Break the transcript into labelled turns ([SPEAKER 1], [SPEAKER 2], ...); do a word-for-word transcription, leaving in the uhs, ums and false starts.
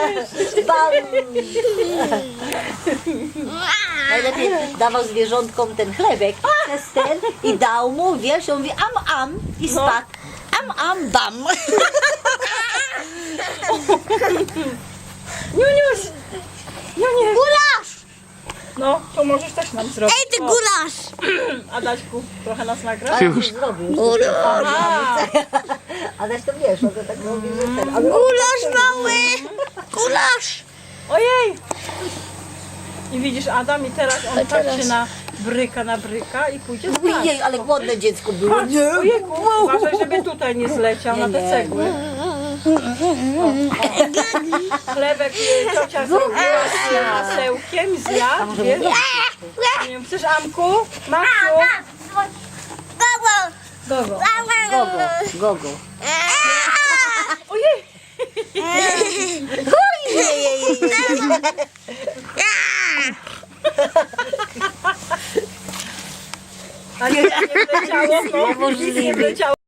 [SPEAKER 1] Bam! Najlepiej dawał zwierzątkom ten chlebek przez ten i dał mu, wiesz, on mówi am am i spadł. Am am bam.
[SPEAKER 2] Niuniuś! Niuniuś!
[SPEAKER 3] Gulasz!
[SPEAKER 2] No, to możesz też nam zrobić.
[SPEAKER 3] Ej, ty
[SPEAKER 2] O,
[SPEAKER 3] gulasz!
[SPEAKER 2] Adaśku, trochę nas nagra?
[SPEAKER 1] Już. Zrobił.
[SPEAKER 3] Gulasz!
[SPEAKER 2] A,
[SPEAKER 1] Adaś to wiesz, on to tak mówi, że ten. Ale
[SPEAKER 3] Gulasz mały! Gulasz!
[SPEAKER 2] ojej! I widzisz, Adam, i teraz on patrzy na bryka, na bryka i pójdzie spać.
[SPEAKER 1] Ojej, ale głodne dziecko było.
[SPEAKER 2] Patrz, ojejku, uważaj, żeby tutaj nie zleciał na te
[SPEAKER 1] nie,
[SPEAKER 2] cegły. O, o. Chlebek y, ciocia zrobiła z masełkiem, zjadł, wiesz? Nie wiem, chcesz, Amku? Maksiu?
[SPEAKER 3] Gogo!
[SPEAKER 2] Gogo.
[SPEAKER 1] Gogo, gogo.
[SPEAKER 2] Ojej! A nie, nie wleciało, to? Nic nie wleciało.